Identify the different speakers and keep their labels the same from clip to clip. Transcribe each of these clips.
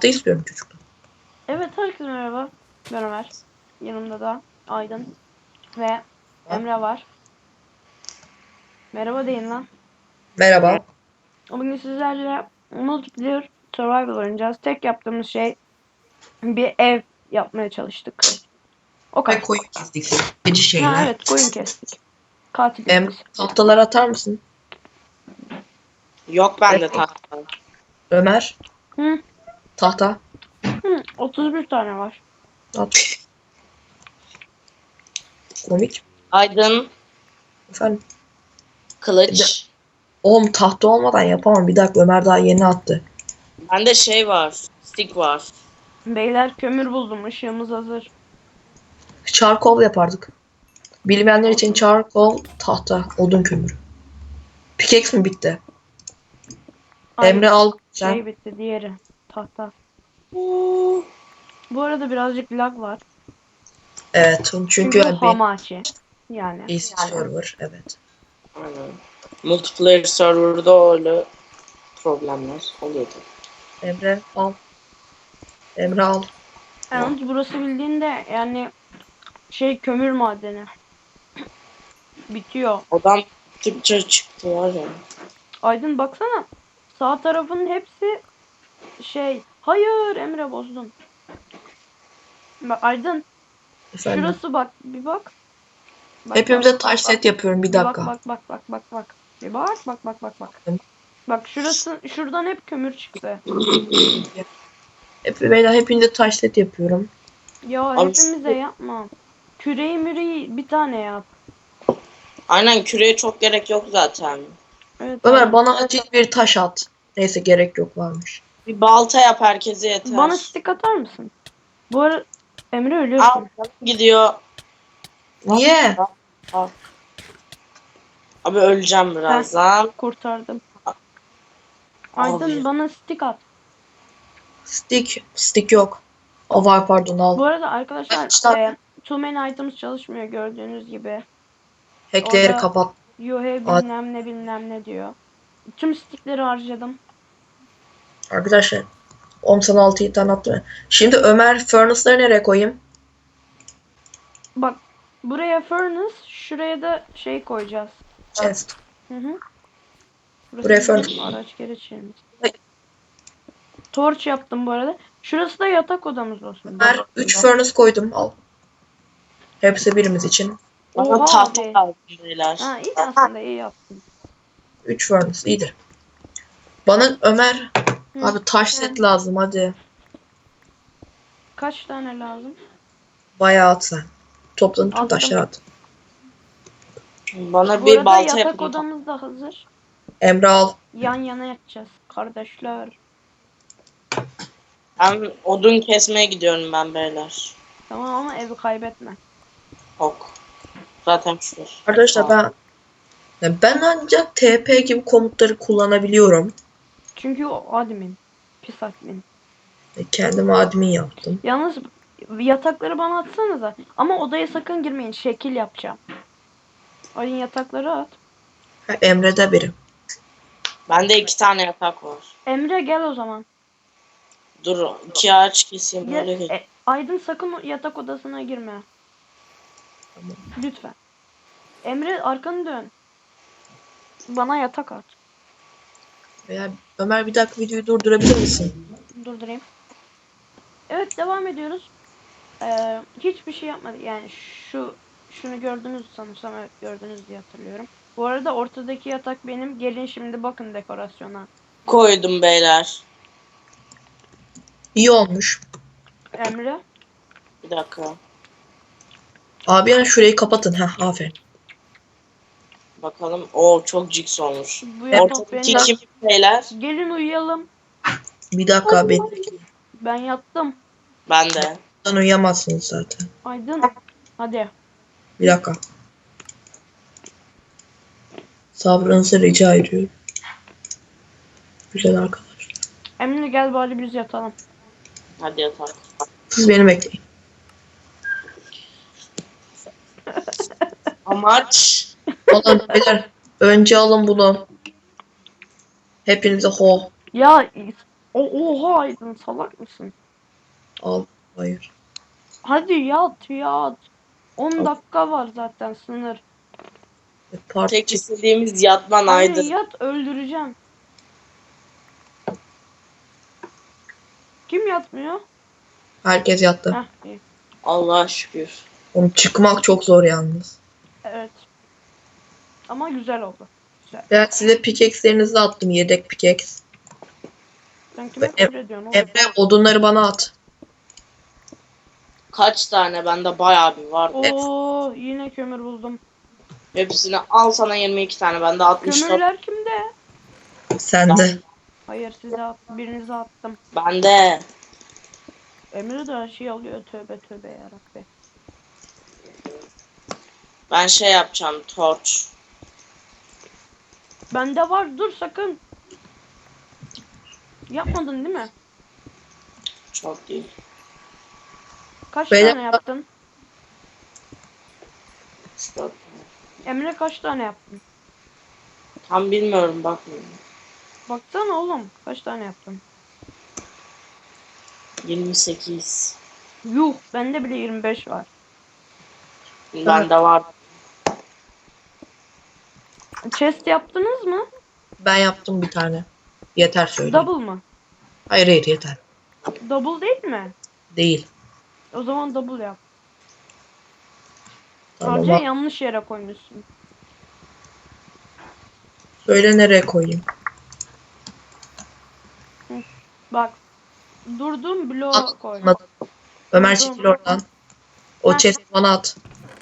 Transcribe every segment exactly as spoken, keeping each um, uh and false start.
Speaker 1: tahta istiyorum çocuklar.
Speaker 2: Evet, herkese merhaba. Ben Ömer. Yanımda da Aydın ve Emre var. Merhaba deyin lan.
Speaker 1: Merhaba.
Speaker 2: Bugün sizlerle multiplayer survival oynayacağız. Tek yaptığımız şey bir ev yapmaya çalıştık. O
Speaker 1: Ve
Speaker 2: kadar.
Speaker 1: koyun kestik. Gece şeyler.
Speaker 2: Ha evet, koyun kestik. Katil
Speaker 1: Em,
Speaker 2: biz.
Speaker 1: tahtaları atar mısın?
Speaker 3: Yok bende
Speaker 1: Evet.
Speaker 3: tahta.
Speaker 1: Ömer.
Speaker 2: Hı,
Speaker 1: Tahta.
Speaker 2: hı, otuz bir tane var.
Speaker 1: At. Komik.
Speaker 3: Aydın,
Speaker 1: Efendim.
Speaker 3: kılıç.
Speaker 1: Oğlum tahta olmadan yapamam. Bir dakika, Ömer daha yeni attı.
Speaker 3: Bende şey var. Stick var.
Speaker 2: Beyler, kömür buldum. Işığımız hazır.
Speaker 1: Charcoal yapardık. Bilmeyenler için charcoal tahta. Odun kömürü. Pickaxe mi bitti?
Speaker 2: Ay,
Speaker 1: Emre al. Sen.
Speaker 2: şey bitti, diğeri. Tahta. Bu arada birazcık lag var.
Speaker 1: Evet. Çünkü,
Speaker 2: Çünkü bu
Speaker 1: bir
Speaker 2: Hamachi. Yani.
Speaker 1: P C server. Evet.
Speaker 3: Aynen. Multiplayer server'da öyle problemler oluyordu.
Speaker 1: Emre al. Emre al.
Speaker 2: Yalnız burası bildiğinde yani şey, kömür madeni. Bitiyor.
Speaker 3: Odan Türkçe çıktı var ya.
Speaker 2: Aydın baksana. Sağ tarafın hepsi şey. Hayır, Emre bozdun. Bak Aydın,
Speaker 1: Efendim.
Speaker 2: şurası bak, bir bak. Bak,
Speaker 1: Hepimize
Speaker 2: bak,
Speaker 1: taş
Speaker 2: bak,
Speaker 1: set
Speaker 2: bak.
Speaker 1: yapıyorum. Bir
Speaker 2: Bir bak
Speaker 1: dakika.
Speaker 2: bak bak bak bak bak. Bir bak bak bak bak bak.
Speaker 1: Tamam.
Speaker 2: Bak şurası, şuradan hep kömür çıktı.
Speaker 1: Hep, beyler hepinize taş set yapıyorum.
Speaker 2: Ya
Speaker 3: Abi
Speaker 2: hepimize
Speaker 3: şu-
Speaker 2: yapma. Küreği müreği bir tane yap.
Speaker 3: Aynen, küreye çok gerek yok zaten.
Speaker 2: Evet,
Speaker 1: Ömer
Speaker 2: aynen.
Speaker 1: bana acil bir taş at. Neyse, gerek yok, varmış.
Speaker 3: Bir balta yap, herkese yeter.
Speaker 2: Bana stick atar mısın? Bu arada Emre
Speaker 3: Al,
Speaker 2: ölüyorsun.
Speaker 3: gidiyor.
Speaker 1: Niye?
Speaker 3: Al. Abi öleceğim birazdan.
Speaker 2: Kurtardım. Aydın
Speaker 3: Abi.
Speaker 2: bana stick at.
Speaker 1: Stick. Stick yok. O var, pardon, al.
Speaker 2: Bu arada arkadaşlar
Speaker 1: İşte
Speaker 2: e, too many items çalışmıyor gördüğünüz gibi.
Speaker 1: hackleri
Speaker 2: Orada
Speaker 1: kapat.
Speaker 2: you have
Speaker 1: Ad-
Speaker 2: bilmem ne bilmem ne diyor. Tüm stickleri harcadım.
Speaker 1: Arkadaşlar on altı tane attım. Şimdi Ömer furnace'ları nereye koyayım?
Speaker 2: Bak, buraya furnace, şuraya da şey koyacağız.
Speaker 1: Chest.
Speaker 2: Hı hı. Burası
Speaker 1: Buraya
Speaker 2: bizim
Speaker 1: furnace.
Speaker 2: araç gereç yerimiz.
Speaker 1: Ay.
Speaker 2: Torch yaptım bu arada. Şurası da yatak odamız olsun.
Speaker 1: Ömer üç furnace koydum, al. Hepsi birimiz için.
Speaker 3: Bana
Speaker 2: Oha
Speaker 3: tahta
Speaker 2: abi.
Speaker 3: lazım beyler.
Speaker 2: Ha, iyi aslında, iyi yaptın.
Speaker 1: üç furnace iyidir. Bana Ömer
Speaker 2: Hı.
Speaker 1: abi taş set lazım, hadi.
Speaker 2: Kaç tane lazım?
Speaker 1: Bayağı at sen. Toplanın tüm
Speaker 2: Attım.
Speaker 1: taşları at.
Speaker 3: Bana
Speaker 2: Bu
Speaker 3: bir
Speaker 2: arada
Speaker 3: balta
Speaker 2: yatak
Speaker 3: yapın.
Speaker 2: odamız da hazır.
Speaker 1: Emre al.
Speaker 2: Yan yana yatacağız kardeşler.
Speaker 3: Ben odun kesmeye gidiyorum ben beyler.
Speaker 2: Tamam ama evi kaybetme.
Speaker 3: Ok. Zaten şurası.
Speaker 1: Arkadaşlar ben yani ben ancak T P gibi komutları kullanabiliyorum.
Speaker 2: Çünkü o admin. Pis admin.
Speaker 1: E, Kendim admin yaptım.
Speaker 2: Yalnız yatakları bana atsanıza. Ama odaya sakın girmeyin. Şekil yapacağım. Ayın yatakları at.
Speaker 1: Ha, Emre'de biri.
Speaker 3: Bende iki tane yatak var.
Speaker 2: Emre gel o zaman.
Speaker 3: Dur, iki ağaç keseyim
Speaker 2: Gel.
Speaker 3: öyle geç.
Speaker 2: E, Aydın sakın o yatak odasına girme.
Speaker 1: Tamam.
Speaker 2: Lütfen. Emre arkanı dön. Bana yatak at.
Speaker 1: Veya Ömer bir dakika videoyu durdurabilir misin?
Speaker 2: Durdurayım. Evet, devam ediyoruz. Ee, hiçbir şey yapmadık. Yani şu şunu gördünüz sanırsam, evet gördünüz diye hatırlıyorum. Bu arada ortadaki yatak benim. Gelin şimdi bakın dekorasyona.
Speaker 3: Koydum beyler.
Speaker 1: İyi olmuş.
Speaker 2: Emre.
Speaker 3: Bir dakika.
Speaker 1: Abi yani şurayı kapatın. Heh, aferin.
Speaker 3: Bakalım. Oo, çok jigs olmuş.
Speaker 2: Bu yatak
Speaker 3: Ortadaki
Speaker 2: benim.
Speaker 3: kim beyler?
Speaker 2: Gelin uyuyalım.
Speaker 1: Bir dakika, ben
Speaker 2: Ben yattım.
Speaker 3: Ben de.
Speaker 1: ben uyuyamazsınız zaten.
Speaker 2: Aydın. Hadi.
Speaker 1: Bir dakika. Sabrınızı rica ediyorum. Güzel arkadaşlar.
Speaker 2: Emre gel bari biz yatalım.
Speaker 3: Hadi yatak.
Speaker 1: Siz beni bekleyin.
Speaker 3: Amaç.
Speaker 1: Alın beyler. Önce alın bunu. Hepinize ho.
Speaker 2: Ya O oha Aydın, salak mısın?
Speaker 1: Al. Hayır.
Speaker 2: Hadi yat yat. on
Speaker 1: Tamam.
Speaker 2: dakika var zaten sınır.
Speaker 1: E, Part
Speaker 3: Tek
Speaker 1: çık.
Speaker 3: istediğimiz yatman
Speaker 2: Hadi
Speaker 3: Aydın.
Speaker 2: yat, öldüreceğim. Kim yatmıyor?
Speaker 1: Herkes yattı.
Speaker 2: Heh iyi.
Speaker 3: Allah'a şükür.
Speaker 1: Oğlum çıkmak çok zor yalnız.
Speaker 2: Evet. Ama güzel oldu. Güzel.
Speaker 1: Ben size pickaxe'lerinizi attım. Yedek pickaxe.
Speaker 2: Sen kime
Speaker 1: Em-
Speaker 2: küfür ediyorsun oğlum?
Speaker 1: Emre odunları bana at.
Speaker 3: Kaç tane? Bende bayağı bir var.
Speaker 2: Oo yine kömür buldum.
Speaker 3: Hepsini al, sana yirmi iki tane. Bende altmış dört.
Speaker 2: Kömürler kimde?
Speaker 1: Sende.
Speaker 2: Hayır, size at, birinize attım.
Speaker 3: Bende.
Speaker 2: Emre de her şey alıyor, tövbe tövbe yarabbi.
Speaker 3: Ben şey yapacağım. Torç.
Speaker 2: Bende var, dur sakın. Yapmadın değil mi?
Speaker 3: Çok değil.
Speaker 2: Kaç
Speaker 1: Beyler-
Speaker 2: tane yaptın?
Speaker 3: üç dört.
Speaker 2: Emre kaç tane yaptın?
Speaker 3: Tam bilmiyorum, bakmıyorum.
Speaker 2: Baksana oğlum, kaç tane yaptın?
Speaker 3: yirmi sekiz.
Speaker 2: Yuh, bende bile yirmi beş var.
Speaker 3: Bende var.
Speaker 2: Chest yaptınız mı?
Speaker 1: Ben yaptım bir tane. Yeter söyleyeyim.
Speaker 2: Double mı?
Speaker 1: Hayır hayır yeter.
Speaker 2: Double değil mi?
Speaker 1: Değil.
Speaker 2: O zaman double yap.
Speaker 1: Tamam.
Speaker 2: Sadece
Speaker 1: Ama
Speaker 2: yanlış yere koymuşsun.
Speaker 1: söyle nereye koyayım.
Speaker 2: Bak. Durdum bloğa koy.
Speaker 1: Anladım. Ömer
Speaker 2: Tamam.
Speaker 1: çekil oradan. O
Speaker 2: Heh.
Speaker 1: chest bana at.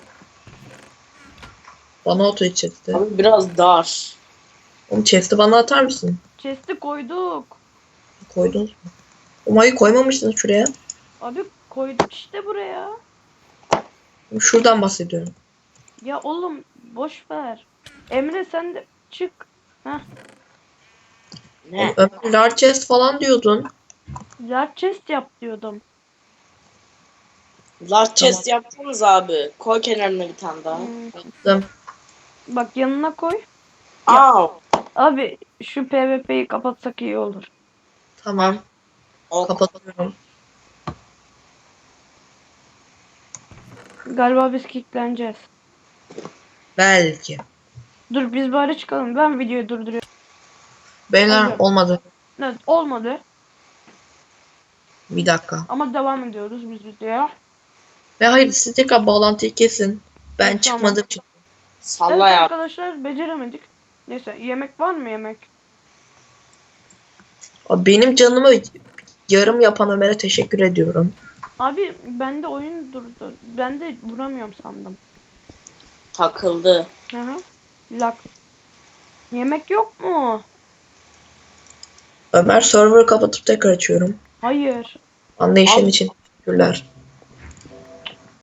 Speaker 1: Bana at o chest'i.
Speaker 3: Abi biraz dar.
Speaker 1: Oğlum chest'i bana atar mısın?
Speaker 2: Chest'i koyduk.
Speaker 1: Koydunuz mu? Umayı koymamışsınız şuraya.
Speaker 2: Abi koyduk işte buraya.
Speaker 1: Şuradan bahsediyorum.
Speaker 2: Ya oğlum boş ver. Emre sen de çık. Heh.
Speaker 3: Ne?
Speaker 1: Ömer large chest falan diyordun.
Speaker 2: Large chest yap diyordum.
Speaker 3: Large chest yapsanız abi. Koy kenarına bir tane daha.
Speaker 2: Hmm.
Speaker 1: Yaptım.
Speaker 2: Bak yanına koy.
Speaker 3: Aa.
Speaker 2: Abi şu PvP'yi kapatsak iyi olur.
Speaker 1: Tamam.
Speaker 3: Ok.
Speaker 1: Kapatıyorum.
Speaker 2: Galiba biz kickleneceğiz.
Speaker 1: Belki.
Speaker 2: Dur biz bari çıkalım. Ben videoyu durduruyorum.
Speaker 1: Beyler
Speaker 2: Hadi.
Speaker 1: olmadı.
Speaker 2: Evet olmadı.
Speaker 1: Bir dakika.
Speaker 2: Ama devam ediyoruz biz videoya.
Speaker 1: Ve hayır siz tekrar bağlantıyı kesin. Ben
Speaker 2: Tamam.
Speaker 1: çıkmadığım için.
Speaker 3: Salla
Speaker 2: Evet
Speaker 3: ya.
Speaker 2: arkadaşlar beceremedik. Neyse yemek var mı yemek?
Speaker 1: Abi benim canımı yarım yapan Ömer'e teşekkür ediyorum.
Speaker 2: Abi bende oyun durdu. Ben de vuramıyorum sandım.
Speaker 3: Takıldı.
Speaker 2: Hı hı. Lak. Yemek yok mu?
Speaker 1: Ömer server kapatıp tekrar açıyorum.
Speaker 2: Hayır.
Speaker 1: Anlayışın
Speaker 3: Abi-
Speaker 1: için teşekkürler.